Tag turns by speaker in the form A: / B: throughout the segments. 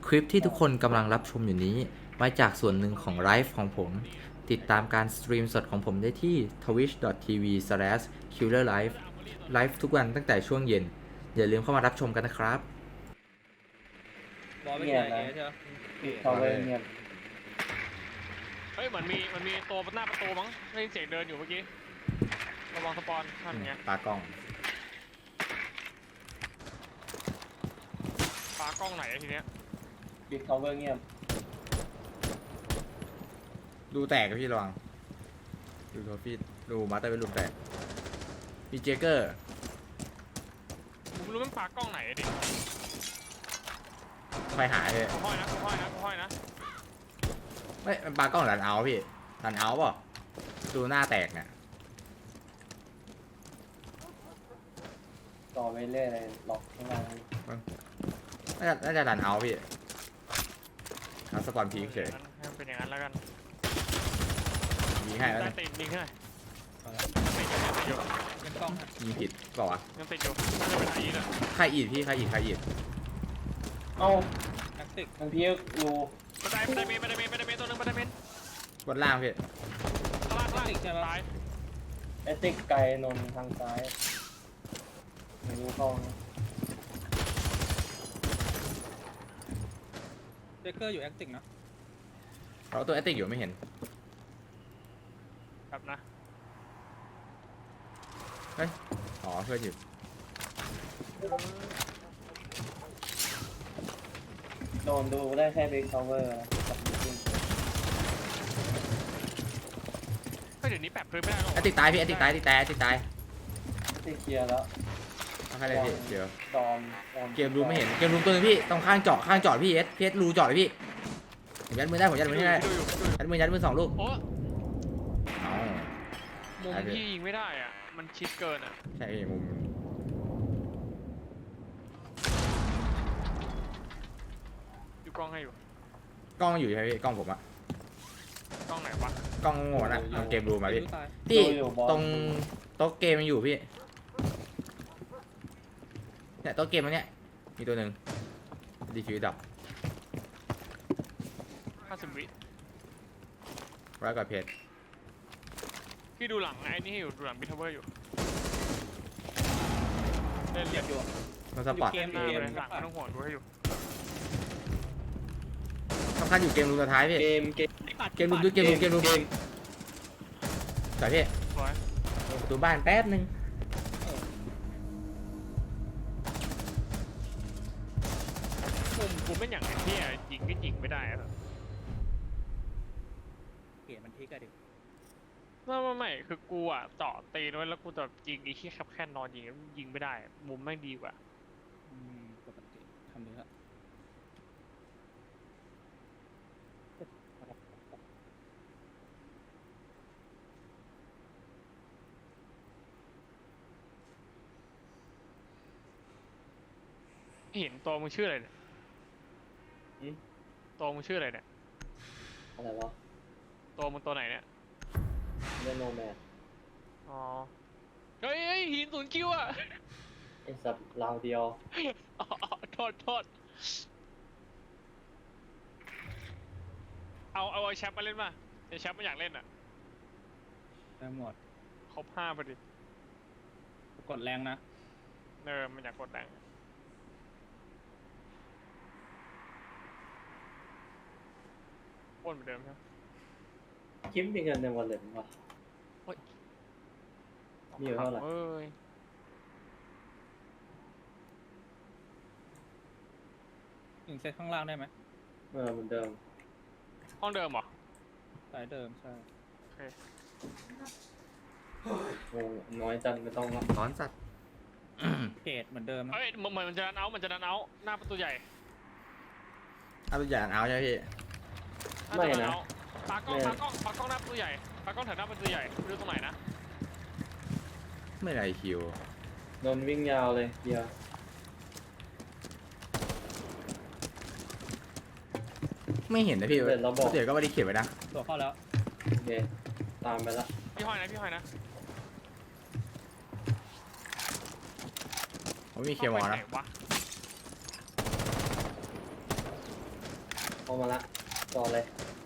A: คลิปที่ทุกคนกำลังรับชมอยู่นี้มาจากส่วนหนึ่งของไลฟ์ของผม ติดตามการสตรีมสดของผมได้ที่ twitch.tv/killerlife ไลฟ์ทุกวันตั้งแต่ช่วงเย็น อย่าลืมเข้ามารับชมกันนะครับ
B: บอลไม่
C: เงีย
B: ใช่
C: บนะ
B: ใช่ไหม
C: ปิดเขาไว้เงียบ
D: เฮ้ยเหมือนมีตัวหน้าประตูมั้งได้ยินเสียงเดินอยู่เมื่อกี้ระวังสปอนท่านไง
A: ตากล้อง
D: ปากล้องไหนอะทีเนี้ย
C: ปิดเขาไว้เงียบ
A: ดูแตกกับพี่ระวังดูโทฟี่ดูมาสเตอร์เป็นลูกแตกมีเจเกอร์
D: ผมไม่รู้มันปากล้องไหนอะดิ
A: ไฟหายเลย
D: ค่อยๆนะค่อยๆนะค่อยๆนะ
A: ไม่มันปากล้องรันเอาท์พี่รันเอาท์เปล่ะดูหน้าแตกเนี่ย
C: ต่อไปเรื่อยเลยล็อกข้างล่าง
A: น่าจะรันเอาท์พี่หาสปอนพีคเฉย
D: ให้มันเป็นอย่างนั้นแล้วกัน
A: ยิงให้แล้ว
D: ได้
A: นะ
D: ติดยิงให้หน่อยติดอยู่
B: เป็นกล้องฮะ
A: ยิงผิดเปล่าวะ
D: ยังติดอยู่น่าจะเป็นไอ้เลย
A: ใครอีดพี่ใครอีด
C: เอ้า
B: แท็กติก
C: ทางพี่รู
D: บันไดเมนตัวหนึงบันไดเมน
A: บนล่างพี่
D: ข้างล่างตาย
C: เอติกไกลนนทางซ้ายไม่รู้เข้านะ
B: เจเกอร์อยู่แอคติกนะ
A: เราตัวแอตติกอยู่ไม่เห็น
D: ครับนะ
A: เฮ้ยอ๋อเพื่อนอยู่
C: โดนดูได้แค่บิ๊กคาเวอร์นะกับจริง
D: ก็เดี๋ยวนี้แปะพื้นไม่ได้หรอก
A: แอตติกตายพี่แอตติกตายแอตติกตายแอตติกตาย
C: ที่เคลียร์แล้ว
A: เอาใครเลยพี่เดี๋ยว
C: จอม
A: เกมรูไม่เห็นเกมรูตัวนึงพี่ตรงข้างเจาะพี่เอสรูเจาะเลยพี่ผมยัดมือได้ผมยัดมือให้ได้
D: ดูอยู่
A: ยัดมือ2 ลูก
D: โอ้
A: อ๋อ
D: มุมที่ยิงไม่ได้อ่ะมันชิดเกินอ่ะ
A: ใช่พี่มุม
D: ดูกล้องให้อยู่
A: กล้องอยู่ใช่ไหมพี่กล้องผมอะ
D: กล้องไหนวะ
A: กล้องโง่นะเอาเกมรูมาพี่
B: รู้ตาย
A: พี่ตรงโต๊ะเกมมันอยู่พี่เนี่ยโต๊ะเกมตรงเนี้ยมีตัวหนึ่งดีฟิวดับ
D: 50 วิ
A: ร้อยกว่าเพจ
D: พี่ดูหลังไอ้นี่ให้อยู่ดูหลังบิทเวอร์อยู่เล่น
B: เห
D: เรี
B: ยี
D: ย
B: ย
D: บบ
B: อยู่
A: มันสปอร์ต
D: เกมหน้าเลยหลังไม่ต้องห่วงดูให้อยู่
A: สำคัญอยู่เกมรูสุดท้ายพี่
C: เกม
A: เกมรูแต่พี่
D: สวย
A: ประตูบ้านแป๊บนึง
D: มุมกูไม่อย่างไอ้ที่ยิงก็ยิงไม่ได้อะ
B: เกมมันพลิกอะดิ
D: ไม่คือกูอ่ะเจาะตีนไว้แล้วกูจะยิงไอ้ที่แค่นอนยิงไม่ได้มุมแม่งดีกว่า
B: ปกติทำเนื้อ
D: เห็นตัวมึงชื่ออะไรเนี่ยตัวมึงชื่ออะไรเนี่ย
C: อะไรวะ
D: ตัวมึงตัวไหนเนี่ย
C: เล่นโนแมน
D: อ๋อเฮ้ยหิน0 คิวอ่ะ
C: ไอสัตว์ราวเดียว
D: อ๋อโทษเอาไอ้แชมป์มาเล่นป่ะไอ้แชมป์มันอยากเล่นอ่ะ
B: ได้หมด
D: ครบ5พอดี
B: กดแรงนะ
D: มันอยากกดแรงโอนเหมือนเดิมใช่ไหม
C: คิมมีเงินในวอลเล็ตป่ะ มีอยู่เท่าไหร่
D: เอ้ย
B: ถึงเซตข้างล่างได้ไหม
C: เหมือนเดิม
D: ห้องเดิมเหรอ
B: สายเดิมใช่
D: โอเค
C: โอ้น้อยจังไม่ต้องละ
A: ร้อนสัตว์
B: เพจเหมือนเดิมนะ
D: เอ้ยเหมือนมันจะดันเอาหน้าประตูใหญ่
A: เอาตัวอย่างเอาใช่ไหมพี่
C: ไม่นะ
D: ปากล้องหน้าประตูใหญ่ปากล้องแถวหน้าประตูใหญ่ไม่รู้ตรงไหนนะ
A: ไม่ไรคิว
C: โดนวิ่งยาวเลยเดียว
A: ไม่เห็นนะพี่
C: เดี๋ยวเราบอก
A: เดี๋ยวก็ไม่ได้เขียนไว้นะ
B: ตัวเข้าแล้ว
C: โอเคตามไปละ
D: พี่ห้อยนะ
A: ผมมีเคลียร์หมอนะ
D: ข้าไปไหว
C: เอามาละต่อเลย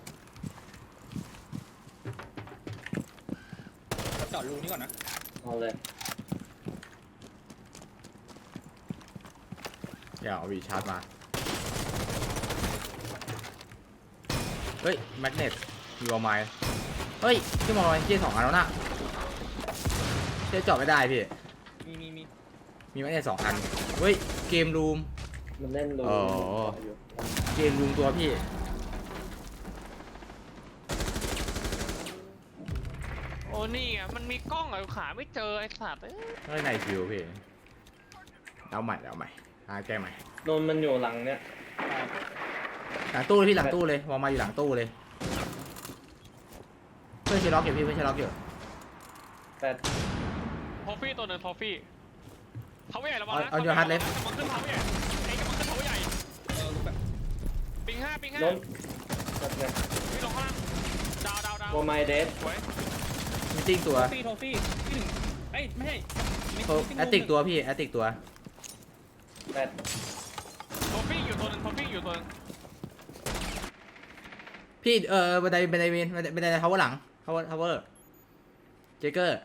B: เราจอดรูนี้ก่อนนะ
C: เอาเลย
A: เดี๋ยวเอาวีชาร์จมา เฮ้ย แมกเนตมีวอลไมล์เฮ้ยที่มองอะไรเจ๊2 อันแล้วน่ะเจ๊เจาะไม่ได้พี่ มีแมกเนต2 อัน เฮ้ย เกมรูม
C: มันเล่นรู
A: อ๋อ
C: อยู่
A: เกมรูมตัวพี่
D: โอ้นี่ไงมันมีกล้องอะขาไม่เจอไอ้สัตว์เอ้ย
A: เฮ้ยในคิวพี่ เอาใหม่เอาใหม่หาแก้ใหม่
C: นนมันอยู่หลังเนี้ย
A: หลังตู้เลยพี่หลังตู้เลยวอลมาอยู่หลังตู้เลย เพื่อนเชล็อกอยู่พี่เพื่อนเชล็อกอยู่
C: แต่
D: ทอฟฟี่ตัวหนึ่งทอฟฟี่เขาใหญ่ระวังนะ
A: เอาอยู่ฮัทเล็บ
D: กำลังขึ้นเขาใหญ่ไอ้กำลังขึ้นเขาใหญ่
B: รู้แบบ
D: ปิงห้า
C: นนแบบไง
D: พี่ลงข้างล่างดาว
C: โมไมเดส
D: สวย
A: มีติ้งตัว
B: โทฟี่ที่หนึ่งเอ้ยไม่ใช่
A: แอตติกตัวพี่แอตติกตัว
C: แต่
D: ทอฟฟี่อยู่ตัวหนึงทอฟฟี่อยู่ตัวหนึง
A: พี่บันไดเวนบันไดทาวเวอร์หลังทาวเวอร์เจเกอร์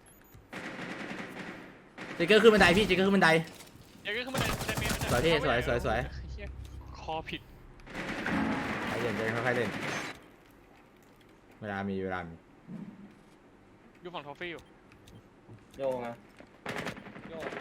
A: ขึ้นบันไดพี่เจเกอร์ขึ้นบันได
D: เดี๋ยวก็ขึ้นมาในเมน
A: สวยพี่สวย
D: เหี้ยคอผิด
A: ใครเล่นเจค่อยๆเล่นเวลามี
D: อยู่ฝั่งทอฟฟี่อยู่
C: โยงอ่ะ
B: โยก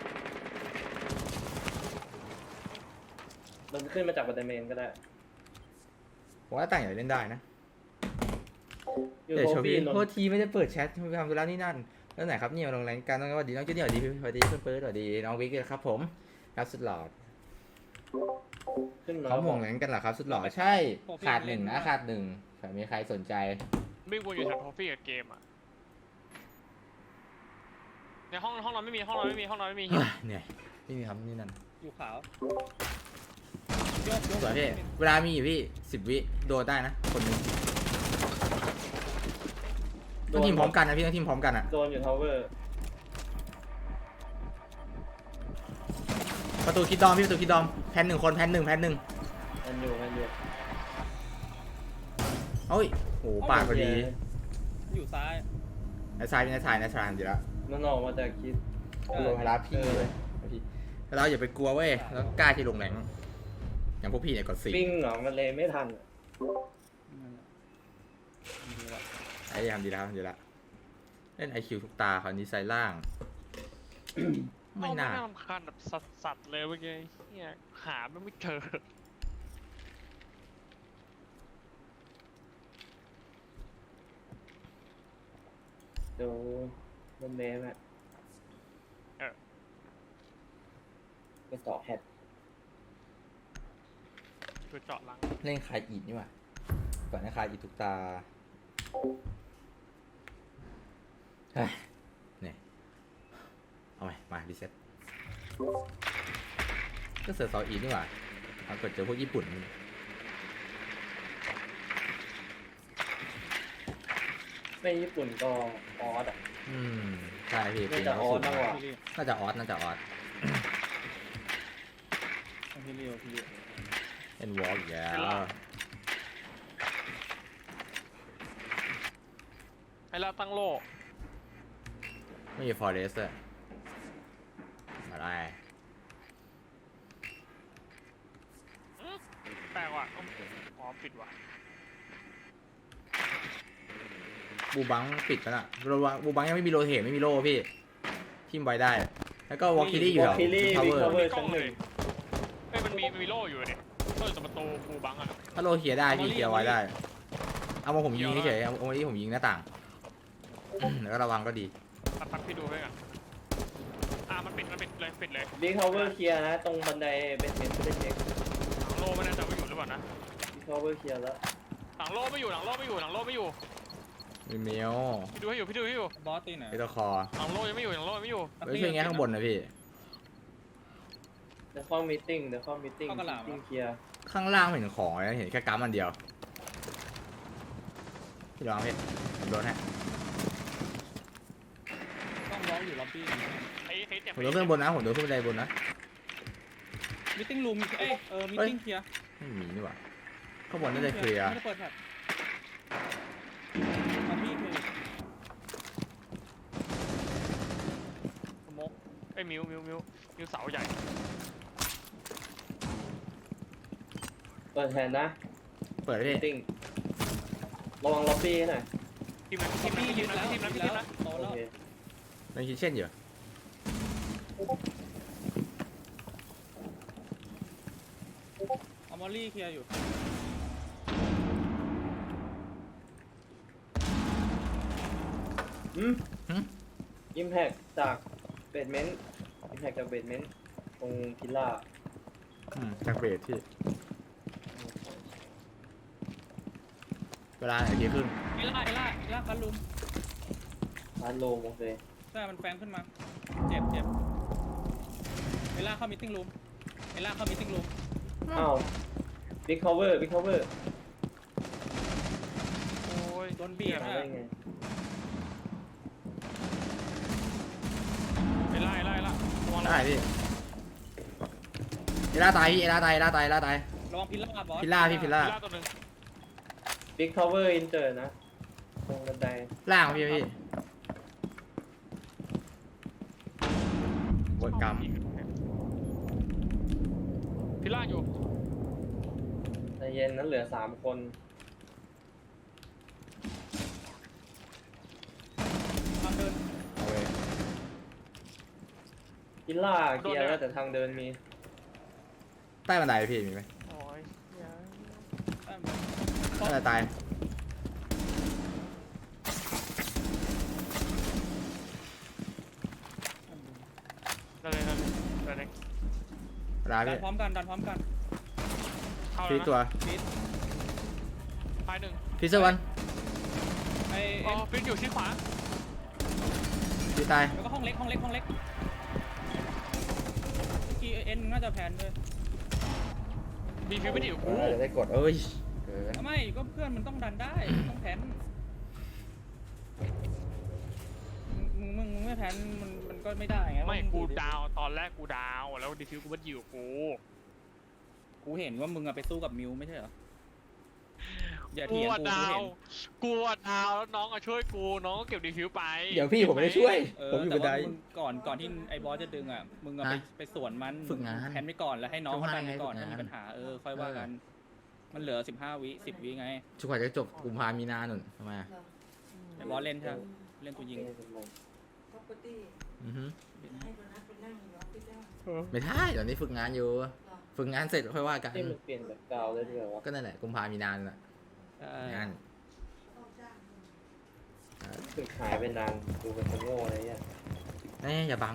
C: มันขึ้นมาจากบันไดเมนก็ได้
A: ผมว่าต่างอย่างเล่นได้นะ
C: อยู่
A: เดี๋ยว
C: โท
A: โชว์
C: ฟี่
A: พี่
C: นน
A: โทษทีไม่ได้เปิดแชทไปทำธุระนี่นั่นแล้วไหนครับเนี่ยมาลงแรงกันต้องสวัสดีน้องเจนี่สวัสดีพี่สวัสดีเพื่อนเปิดสวัสดีน้องวิกครับผมครับสุดหล่อ
C: ขึ้นมา
A: เขาห่วงแรงกันเหรอครับสุดหล่อใช่ขาด 1นะขาด 1เผื่อมีใครสนใจ
D: วิ่งวนอยู่แถวทอฟฟี่กับเกมอะในห้องนอนไม่มีห้องนอนไม่มี
A: เฮ้ยเหนื่อยไม่มีครับนี่นั่น
B: อยู่ขาว
A: สวยพี่เวลามีอยู่พี่10 วิโดนได้นะคนหนึงต้องทีมพร้อมกันนะพี่ต้องทีมพร้อมกันอ่ะ
C: โดนอยู่ทาวเวอร์
A: ประตูคิดดอมพี่ประตูคิดดอมแพน1 คนแพน 1
C: มันอยู่
A: เฮ้ยโอ้ปาดพอดี
B: อยู่ซ้าย
A: นายชายเป็นนายชายดีแล้ว
C: มันออกมาจากคิด
A: กูลงมารับพี่เลยพี่แล้วเราอย่าไปกลัวเว้ยแล้วกล้าที่ลงแรงอย่างพวกพี่เนี่ยกด4
C: วิ่งเหรอมันเลยไม่ทัน
A: ไอ้ทำดีแล้วเล่น IQ ทุกตาคราวนี้ไซล่าง ไม่น่า
D: รำคาญแบบสัตว์เลยเมื่อกี้เนี่ยหาไม่เจอ
C: เดี๋ยวมันเมมอ่ะไปต่อแฮด
D: คือเจาะหลัง
A: เล่นคายอีดนี่หว่าก่อนนะคายอีดทุกตาเฮ้ยเนี่ยเอาใหม่มารีเซ็ตก็เสือเสาอีดนี่หว่าปรากฏเจอพวกญี่ปุ่น
C: ไม่ญี่ปุ่นก็ออสอ่ะ
A: ใช่พี่
C: น่าจะออสมากกว่า
A: น่าจะออส
B: พี่เลี้ยว
A: เป็นวอล์กอีกแล้ว
D: ให้เราตั้งโล
A: ไม่มีฟอร์เรสต์อะไร
D: แปลกว่ะอ๋อปิดว่ะ
A: บูบังปิดไปละบูบังยังไม่มีโรเทตไม่มีโล่พี่ทิมไว้ได้ แล้วก็วอลคิลี่อยู่
C: ว
A: แถ
C: อ
A: ว
C: ลคิลี่
A: ทาว
C: บิ๊
A: เว
C: ก
A: อร์
C: ทาวเวอร์
D: กล้
C: ชั้
D: อน ง
C: ห
D: เล
C: นึ่
D: ย
C: ง
D: เอ้ยมันมีโล่อยู่เนี่ยเปิดประตูปูบังอะ
A: ถ้าโลเคียร์ได้พี่เคียร์ไว้ได้ เอามาผมยิงเฉยๆเอามาที่ผมยิงหน้าต่าง แล้วก็ระวังก็ดี
D: ตัดพี่ดูให้กันมันปิดเลย
C: บิ๊กทาวเวอร์เคลียร์นะ ตรงบันไดเป็นเมนไม่ได้เช็ค
D: หลังโล่ไม่น่าจะไม่อยู่หรือเปล่านะ
C: บิ๊กทาวเวอร์เคลียร์แล้ว
D: หลังโล่ไม่อยู่
A: มีเมล
D: พี่ดูให้อยู่
B: บอสตีไหน
A: ไอตัวคอ
D: หลังโล่ยังไม่อยู่
A: เฮ้ยช่วยแง่ข้างบนนะพี่
C: เดี๋ยวเข้ามีติ้งเคลียร์
A: ข้างล่างไม่เห็นของเลยเห็นแค่กัมอันเดียว พี่ลองพี่ผมโดนให้
B: ต้องร้องอยู่ล็อบบี้
A: ผมโดนขึ้นบนนะผมโดนขึ้นบันไดบนนะ
B: มิทติ้งรูมมิทติ้งเคลียร์
A: ไม่มีนี่หว่าข้างบนน่าจะเคลียร์
B: ไม่ได้เปิดแท็บล็อบบี้เคลียร์สโมก
D: ไอ้ยมิวเสาใหญ่
C: เปิดแทนนะ
A: เปิดพี่
C: ติ้งระวังล็อบบี้หน่อย
D: ทีมนั้น
B: ล็อบบี้ยึดแล้ว
D: ทีมนั้น
B: ยึด
D: ทีม
B: แล้ว
D: นั้น
B: โต
C: โอ
B: แล้ว
C: เค
A: ในคิทเช่นอยู่
B: เอามอลลี่เคลียร์อยู่
C: อิมแพคจากเบดเมนต์อิมแพคจากเบดเมนต์ตรงพิลล่า
A: จากเบสที่เวลาไหนทีครึ่ง
B: เอล่าคันลุม
C: ร้านโลมโอเค
B: ใช่มันแฟงขึ้นมา เจ็บเอล่าเข้ามิทติ้งรูม
C: อ้าวบิ๊กคอเวอร์บิ๊กคอเวอร์
D: โอ้ย
B: โดนบีบ
C: มา
B: นะ
C: ได้ไง
D: ไอ้ไล่ระวัง
A: ได้พี่เอล่าตายพี่เอล่าตาย
B: ระวังพิลล่าบอส
A: พิลล่าพี่พิลล่า
D: ล่าตัวหนึ่ง
C: บิ๊กคอเวอร์อินเตอร์นะตรงบันได
A: ล่างพี่บนกรรม
D: พี่ล่าอยู่
C: ใจเย็นนั้นเหลือ3 คน
B: ทางเดิน
A: เอาเว้ย
C: พิลล่าเคลียร์แล้วแต่ทางเดินมี
A: ใต้บันไดพี่มีไหม
D: โอ้ย
A: น่าจะตาย
D: นั่นเลย
A: เวลา
B: ดั
A: พี่
B: นพร้อมกัน
D: เข้า
A: พี่
D: แล้ว
A: ตัว
D: นะ
B: ฟิต
D: ท้ายหนึ่ง
A: พี่เซอร์วัน
B: ไอ้
D: อ๋อฟิกอยู่ที่ขวา
A: พี่ตาย
B: แล้วก็ห้องเล็กกีเอ็นน่าจะแพนด้วย
D: มีฟิวไม่ได้อยู่กู
A: จะได้กดเอ้ยเกิน
B: ไม่ก็เพื่อนมันต้องดันได้ต้องแพนมึงไม่แพนมันก็ไม่ได้ไง
D: ไม่กูดาวตอนแรกกูดาวแล้วดีฟิวกูไม่ได้อยู่กู
B: กูเห็นว่ามึงอะไปสู้กับมิวไม่ใช่เหรออย่า
D: กู
B: เถียง
D: อะ
B: กู
D: ดา
B: เห็
D: วน กูอะดาวแล้วน้องอะช่วยกูน้องก็เก็บดีฟิวไป
A: เดี๋ยวพี่ผมไม่ได้ช่วย ผมอยู่
B: แต่
A: บันได
B: ว่ามึงก่อนที่ไอ้บอสจะดึงอ่ะมึงอะ
A: ฮะ
B: ไปสวนมัน
A: ฝึกงาน
B: แพนไปก่อนแล้วให้น้องเขาดันไปก่อน
A: ฝึกงาน
B: ถ้ามีปัญหาค่อยว่ากัน มันเหลือ15 วิ10 วิไง
A: ชุกว่าจะจบกุมภามีนาหนุนทำไมอะ
B: ไอ้บอสเล่นใช่ไหมเล่นตัวยิง
E: property
A: อือฮึ
E: ให้คนนั้นเป็นนั่งอยู่ออฟฟิศได้
A: ไม่ได้เดี๋ยวนี้ฝึกงานอยู่ ฝึกงานเสร็จค่อยว่ากัน
C: ที่มันเปลี่ยนแบบกาวได้ด้วยวะ
A: ก็นั่นแหละกุมภามีนาน่ะ
B: ใช่
A: งาน
E: ต้องจ้างคน
C: ฝึกหายไปนานดูเป็นคนโง่อะไรเงี้ย
A: อย่าบัง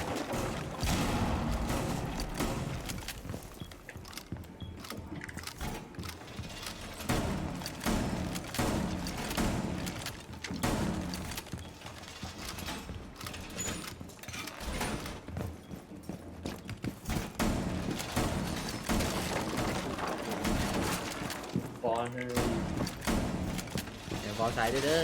C: บอลให้
A: เดี๋ยวฟอสไซด์ด้วยเด้อ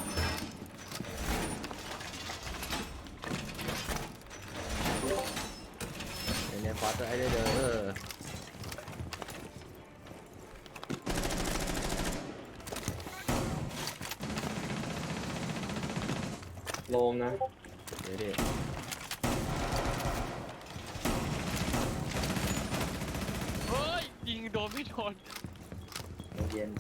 A: เดี๋ยวฟอสไซด์ด้วยเด้อ
C: โลมนะ
A: เดี๋ยวดิ
D: เฮ้ยยิงโดนไม่โดน
C: เย็น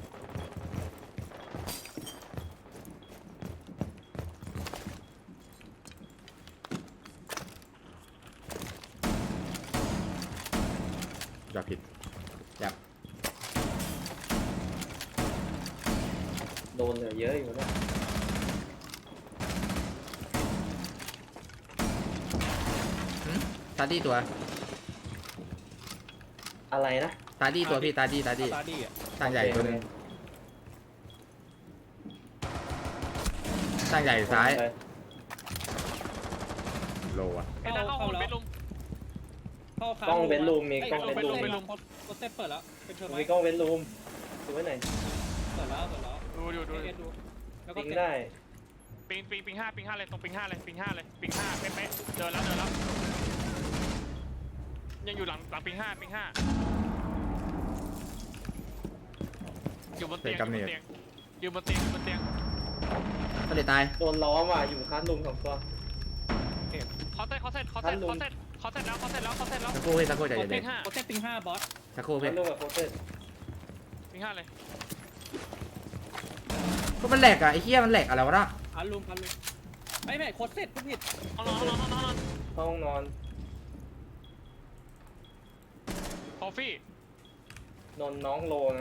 A: อย่าผิดอย่า
C: โดนเหลือเยอะอยู่นะ
A: ตาดี้ตัว
C: อะไรนะ
A: ตาดี้ตัวพี่ตาดี้
B: ตาดี้อ่ะ
A: ตั้งใหญ่ตัวหนึงตั้งใหญ่ซ้าย
C: ไป
A: โลอะ
D: ไอ้ตาเข้าห้องเบดรูม
B: เข้า
C: กล้องเว้นรูมมี
B: เอ้ย
C: กล้องเว้นรูม
B: เว้นรูมโคเซ็ตเปิดแล้วเป็นเทอร์ไม
C: มีกล้องเว้นรูมดูไว้ไหนอย
B: เปิดแล้ว
D: ดูอยู่ดู
B: เอ็นดูแล้วก็
C: ปิง
B: เก็บ
C: ได้
D: ปิงห้าเลยตรงปิงห้าเลยปิงห้าเป๊ะๆเดินแล้วยังอยู่หลังปิงห้าอยู่บนเตียง
A: เตะกำเนิด
D: อยู่บนเตียงอยู่บนเตียง
A: ก็เลยตาย
C: โดนล้อมว่ะอยู่คาร์ดลุม2 ตัว
D: เขาเสร็จแล้วเขาเสร็จแล้ว
A: สักครู่พี่สักครู่ใจ
D: โค
A: เย็
D: เต้
A: น
D: ห้า
B: โคเต้ปิง5บอส
A: ๆสักครู่
C: คา
A: พี่
C: ร์ดลุมกับโคเต้
D: ปิงห้าเลย
A: ก็มันแหลกอะไอ้เหี้ยมันแหลกอะไรวะน่ะ
B: อันลุมไม่โคเต้พูดผิด
D: เอานอน
C: ห้องนอน
D: คอฟฟี่
C: นนน้องโลนะ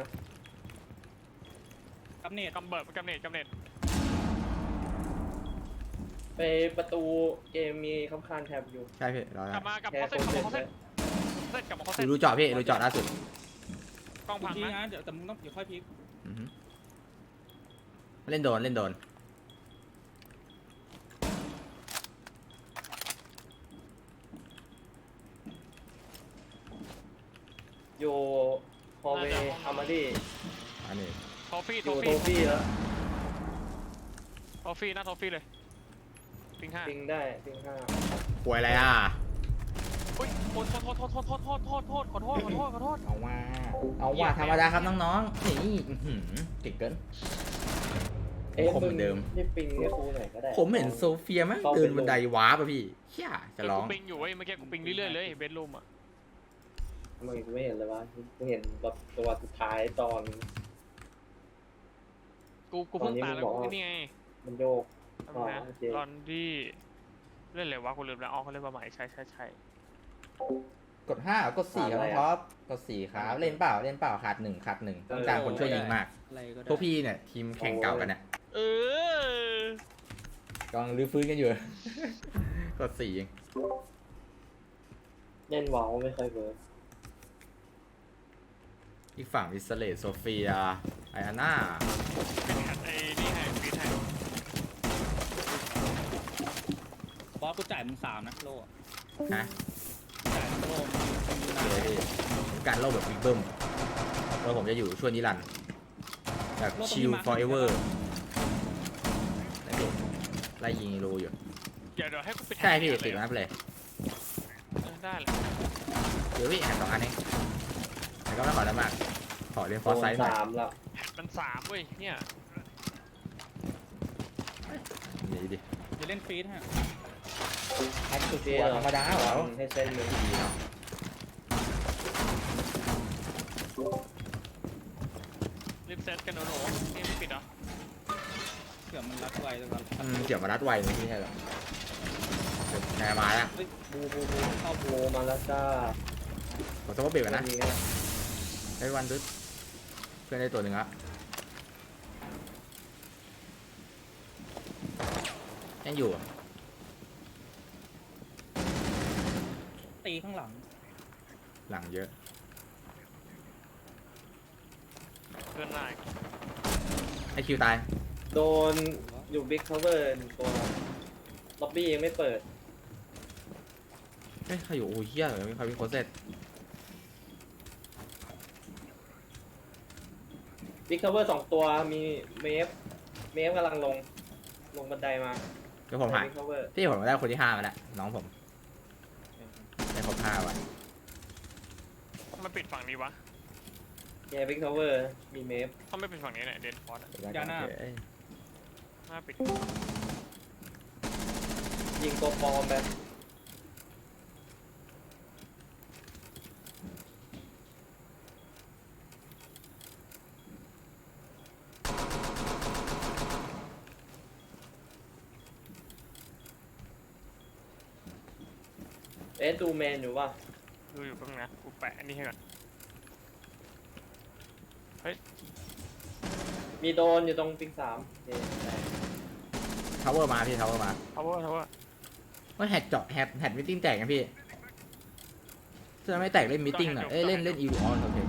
B: กับเนต
D: กำเนิด
C: ไปประตูเกมมีคำคานแท็บอยู่
A: ใช่พี่รอก
D: ลับมากับ
C: แค่
D: เขา
C: โค
D: เสร็จ
C: เต้
D: กลับมาเขาเสร็จ
A: ดูเจาะพี่ดูเจาะล่าสุด
D: กล้องพัง
B: พี
D: นะ
B: นะเดี๋ยวแต่มึงต้องเดี๋ยวค่อยพีค
A: อือฮึเล่นโดนเล่นโดน
C: อยู่ฮอลเวย์อามาดี
A: อันนี้
D: ทอฟฟี่
C: อยู่โทฟี่แล้ว
D: ทอฟฟี่หน้าทอฟฟี่เลยปิงห้า
C: ปิงได้ปิง5
A: ป่วยอะไรอ่ะ
D: อุ้ยโทษขอโทษขอโทษ
A: เอาว่าธรรมดาครับน้องๆนี่อื้อหือเก่งเกิน
C: เอ๊ะ
A: ผมเหมือนเดิม
C: นี่ปิงให้ครูหน่อยก็ได้
A: ผมเห็นโซเฟียมั้งเดินบันไดวาร์ปอะพี่เชี่ยจะร้อง
D: กูปิงอยู่เว้ยเมื่อกี้กูปิงเรื่อยๆเลยเบดรูมอ่ะ
C: ทำไมกูไม่เห็นเลยวะกูเห็นแบบตัวสุดท้ายตอน
D: กูเพิ่งตายแล้วกูนี่ไง
C: มันโยก
D: ทำไม
C: โอเค
D: ลอนดี้เล่นอะไรวะกูลืมแล้วอ๋อเขาเล่นมาใหม่ใช่
A: กด5กด4ครับน้องท็อปกด4ครับเล่นเปล่าขาด1ต้องการคนช่วยยิงมาก
B: อะไรก็ได้
A: พวกพี่เนี่ยทีมแข่งเก่ากันเนี่ย
D: เออก
A: ำลังรื้อฟื้นกันอยู่ กด4เอง
C: เล่นวาวไม่ค่อยเวิร์ก
A: อีกฝั่งอิสเลตโซเฟียไออาน่า
D: เป็นแฮตไอ้นี่ให้ฟีดให้
B: บอสกูจ่ายมึง3นะโล่อะ
A: ฮะ
B: จ่ายมึงโล่มึงอยู่
A: เดี๋ยว
B: นะ
A: พี่การเล่าแบบบิ๊กเบิ้มแล้วผมจะอยู่ช่วงนิรันดร์แบบชิล forever แล้วพี่ไล่ยิงรูอยู่
D: เดี๋ยวให้กูไป
A: ใช่พี่ติดนับเลย
D: ได้แหละ
A: เดี๋ยวพี่แอบ2 อันเองแต่ก็ไม่ขอได้มาก ขอเรียนฟอร์ไซส์หน่อย
C: 3แล้ว
D: แฮตมัน3เว้ยเนี่ย
A: นี่ดิ
B: เดี๋ยวเล่นฟีดฮะ
A: แอคตัวธรรมดาเหรอ
C: ให้เส้นมือ
A: ดีเนาะ
D: รีบเซตกันหนูนี่ไม่ปิดเหรอ
B: เผื่อมันรัดไวแล้วกัน
A: เกี่ยวมารัดไวไม่ใช่หรอแนวมาแล้ว
B: เฮ้ยบูเข้า
C: โมมาแล้วจ้า
A: ผมต้องว่าเบรกกันนะ
C: มีไง
A: ได้วันดึ๊ดเพื่อนได้ตัวหนึ่งละยังอยู่อะ
B: ตีข้างหลัง
A: หลังเยอะ
D: เพื่อนนาย
A: ไอคิวตาย
C: โดนอยู่บิ๊กคัฟเวอร์1 ตัวล็อบบี้ยังไม่เปิด
A: เฮ้ยใครอยู่โอ้ยเฮียเหรอมีใครมีโคเซ็ต
C: บิ๊กคัฟเวอร์2 ตัวมีเมฟกำลังลงบันไดมา
A: เดี๋ยวผมหาย
C: บิ๊กคัฟเวอร์
A: พี่ผมได้คนที่5มาแล้วน้องผมได้ครบ5วัน
D: มันปิดฝั่งนี้วะ
C: แกบิ๊กคัฟเวอร์มีเมฟ
D: ต้องไม่ปิดฝั่งนี้แหละเดนฟอร์ด
B: ยาหน้า
A: เอ้ย
D: หน้าปิด
C: ยิงตัวปลอมแบบ ดูแมนอยู่ป่ะ
D: ดูอยู่แป๊บนึงนะกูแปะอันนี้ให้ก่อน
C: มีโดนอยู่ตรงปิง3โอเคได้
A: ทาวเวอร์มาพี่ทาวเวอร์มา
D: ทาวเวอร์
A: ว่าแฮตเจาะแฮตมิทติ้งแตกกันพี่จะไม่แตกเล่นมิทติ้งหน่อยเอ้ยเล่นอีลูออนโอเค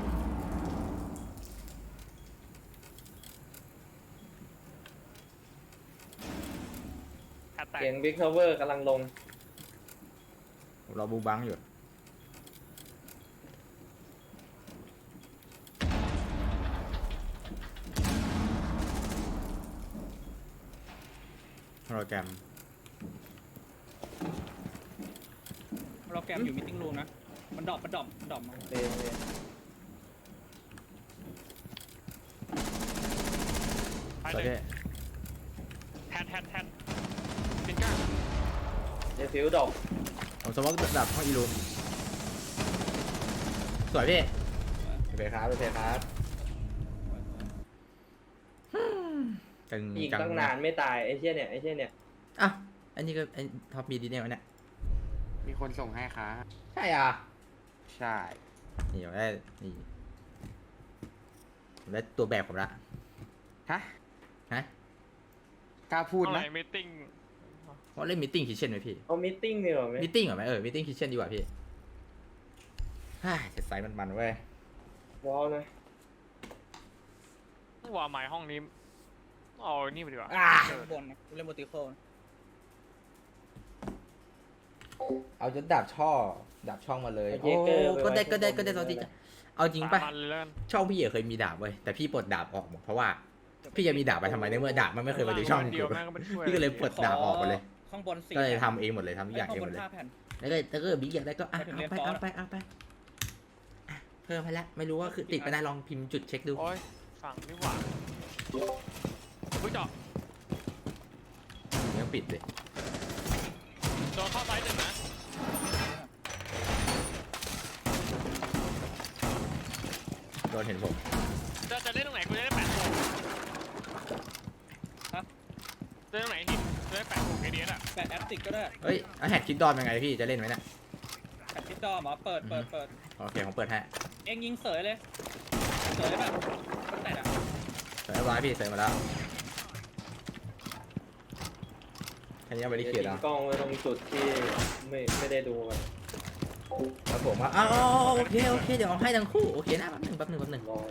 D: แฮตแตก
C: เสียงบิ๊กคัฟเวอร์กำลังลง
A: ผมรอบูบังอยู่โปรแกรม
B: เราแกมอยู่มิทติ้งรูมนะมันดรอปมา
C: โอเค
D: ท้าย
A: สวย
D: เลย
A: พี่
D: แฮดปินก้า
C: เดฟิวดอก
A: ผมสมมติดับห้องอีลูมสวยพี่โอเคครับโอเคครับจัง
C: ยิง
A: จัง
C: ตั้งนานไม่ตายไอ้เชี่ยเนี่ยไอ้เชี่ยเนี่ย
A: อ่ะอันนี้ก็ไอ้ท็อปมีดีเนี่ยวะเนี่ย
F: มีคนส่งให้ครับ
A: ใช่อ่ะ
F: ใช่
A: นี่ผมได้นี่ผมได้ตัวแบบผมละ
F: ฮะ
A: ฮะ
F: กล้าพูด
D: เท่าไห
F: นะ
D: ร่มีติ้ง
A: ว่าเล่นมิทติ้งคิทเช่นไหมพี่
C: เอามิทติ้งดีกว่าไหม
A: มิทติ้งเหรอไหมมิทติ้งคิทเช่นดีกว่าพี่ฮ่าเจ็ดไซส์มันๆเว้ย
C: ว้าวนะ
D: ว่าหมายห้องนี้เอานี่ไปดีกว่า
B: บนนะกูเล่นโมติโคล
A: เอาจนดาบช่องมาเลย
C: เอา
A: โอ้
C: เยเกอร์
A: ก็ได้
C: ป
A: ก็ได้
C: ว้
A: ก็ได้
C: ข้า
A: ตอน
C: บ
A: ที่
C: น
A: จะเอาจริงป่ะ
D: มันเลยแล้วกัน
A: ช่องพี่เคยมีดาบเว้ยแต่พี่ปลดดาบออกหมดเพราะว่าพี่จะมีดาบไปทำไมในเมื่อดาบมันไม่เคยมาถึงช่อง
D: เดียวแม่งก็ไม่ช่วย
A: พี่ก็เลยปลดดาบออกไปเลย
B: ข้างบน4
A: ก็เลยทำเองหมดเลยทำทุกอย่าง
B: ข้า
A: เอง
B: ง
A: ห
B: บ
A: ม
B: น
A: ดเลย
B: 5 แผ่น
A: แล้วก็ถ้าเกิดบิ๊กอยากได้ก็
B: ไปถึงเรียนฟอร์ส
A: เอาไปอ่ะเพิ่มไปแล้วไม่รู้ว่าคือติดไปได้ลองพิมพ์จุดเช็คดู
D: โอ้ยฝั่งนี่หว่าเฮ้ยเจาะ
A: ยังปิดเลย
D: โดนเข้าซ้ายหนึ่งนะ
A: โดนเห็นผม
D: จะเล่นตรงไหนกูจะได้แปะโป่ง
B: ฮะ
D: เล่นตรงไหนหินจะได้แปะโป่งไอเดียอ่ะ
B: แปะแอปติกก็ได้
A: เฮ้ยแฮกคิดดอมยังไงพี่จะเล่นไหมเนี่ย
B: แปะทิดดอมเหรอเปิด
A: โอเคผมเปิดให้
B: เอ็งยิงเสยเลยเสยแบบคนไหนอ่ะ
A: เสร็จเรียบร้อยพี่เสร็จมาแล้วแค่นี้เอาไปที่
C: เดี๋ยว
A: เขียน
C: ทิ้
A: แล้ว
C: งกล้องไว้ตรงจุดที่ไม่ได้ดูกัน
A: แล้วผมว่าโอเคเดี๋ยวเอาให้ทั้งคู่โอเคนะแป๊บหนึ่ง
C: รอ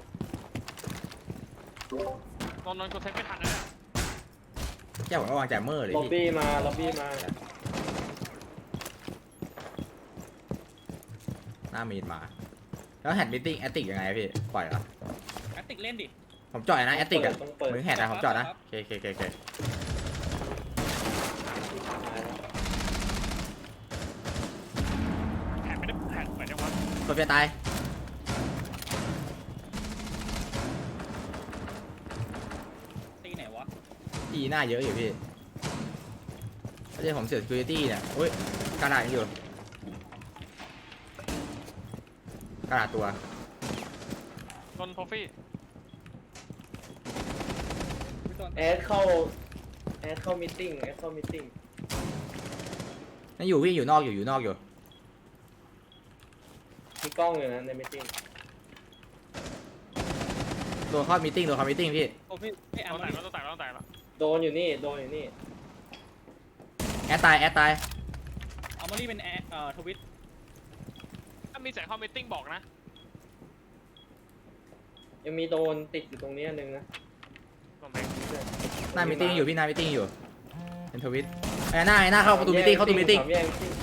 D: ตอนนั้นกูเซ็ตไม่ทันนะเนี่ย
A: แก้วผมก็วางแจมเมอร์เลย
C: ล็อบ
A: พี่
C: บี้มาล็อบบี้มา
A: หน้ามีดมาแล้วแฮดมิทติ้งแอตติกยังไงพี่ปล่อยเหรอ
B: แอปติกเล่นดิ
A: ผมจอดนะแอตติกอะ
C: ต้องเปิด
A: มึงแฮดนะผมจอดนะ
B: ครับ
A: โอเค
D: แผ่นไม่ได้แผ่นเหมือนยังวะ
A: ตัวเฟียตาย
B: ตีไหนวะ
A: ตีหน้าเยอะอยู่พี่ไม่ใช่ผมเสีย security เนี่ยโอ้ยกระดาษยังอยู่กระดาษตัว
D: โดนโทฟี่
B: พี่ต้น
C: แอดเข้ามิทติ้งแอดเข้ามิทติ้ง
A: นั่นอยู่พี่อยู่นอกอยู่
C: มีกล้องอยู่นะในมิทติ้ง
A: โดนเข้ามิทติ้งพี่
B: โอ้พี่ไอ้แอม
D: ต้อง
B: มา
D: แตก
B: ดิ
D: แล้วต้องแตกแล้วต้องแตกแล้ว
C: โดนอยู่นี่
A: แอดตาย
B: เอามารีเป็นทวิต
D: ถ้ามีแสงเข้ามิทติ้งบอกนะ
C: ยังมีโดนติดอยู่ตรงนี้อันนึงนะ
D: ตรงไหน
A: หน้ามิทติ้งอยู่พี่หน้ามิทติ้งอยู่เป็นทวิตไอ้หน้าเข้าประตูมิทติ้งเข้าประตูมิทติ้ง
C: สามแยกมิทติ้ง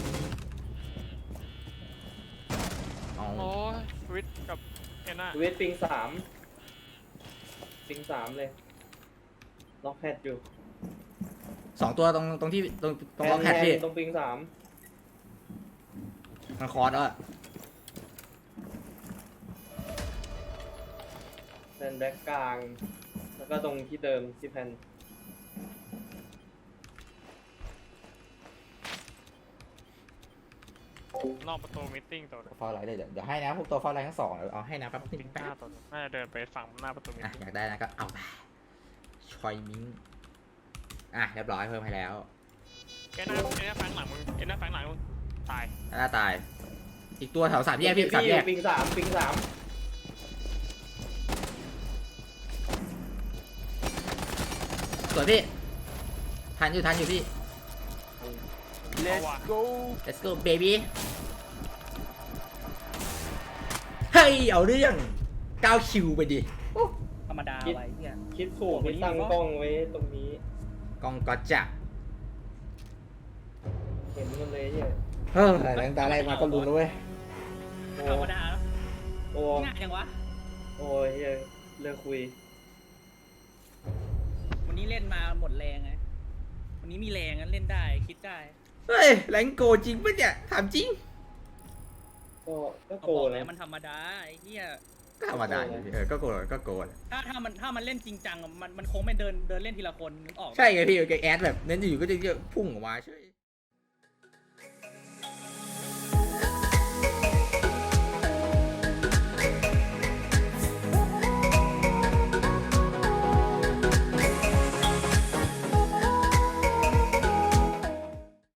A: อ๋อ
D: โอ้ยวิทกับเอ็นน่า
C: เวทปิงสามเลยล็อกแฮดอยู่
A: 2 ตัวตรงที่ตรงล็อกแฮดพี่
C: ตรงปิง3
A: มันคอร์สแล้วอะ
C: แพนแบ็กกลาง แล้วก็ตรงที่เดิมที่แพน
D: นอกประตูมิทติ้งตัวนึง
A: ฟอลไลท์เลยเดี๋ยวให้นะพวกตัวฟอลไลท์ทั้ง 2เอาให้นะแป๊บนึ
D: ปิ
A: ง
D: นก้าตัวนึงน่าจะเดินไปฝั่งหน้าประตูมิท
A: อ่ะ
D: ติ้ง
A: อยากได้นะก็เอาไปชอยมิงเรียบร้อยเพิ่มให้แล้ว
D: เอ็นน่าแฝงหลังมึงเอ็นน่าแฝงหลังมึงตาย
A: หน้าตาย อีกตัวแถว3 แยกพี่3 แยก
C: ปิง3
A: สวยพี่ทันอยู่พี่
D: เอาว่ะ
A: let's go baby เฮ้ยเอาเรื่อง9 คิวไปดิ
B: ธรรมดาไว้เนี่ย
C: คิดถูกที่ตั้งกล้องไว้ตรงนี้
A: กองก็จะ
C: เห็นมันเลยเนี่ย
A: เฮ้ยหลังตาแรกมาก็รู้แล้วเว้ย
C: โอ้
B: ธรรมดาแล้ว
C: โอ้
B: ง่ายจังวะ
C: โอ้ยเหี้ยเลิกคุย
B: วันนี้เล่นมาหมดแรงไงวันนี้มีแรงงั้นเล่นได้คิดได้
A: เฮ้ยแรงโกจริงปะเนี่ยถามจริง
C: ก็
B: เขา
C: โก
B: บอก
C: นะ
B: แล้วมันธรรมดาไอ้เหี้ย
A: ธรรมดาอยู่พี่ก็โกรธก็โกรธ
B: ถ้ามันเล่นจริงจังอะมันคงไม่เดินเล่นทีละคนนึกออกปะ
A: ใช่ไงพี่แกแอดแบบเน้นอยู่ก็จะพุ่งออกมาใช่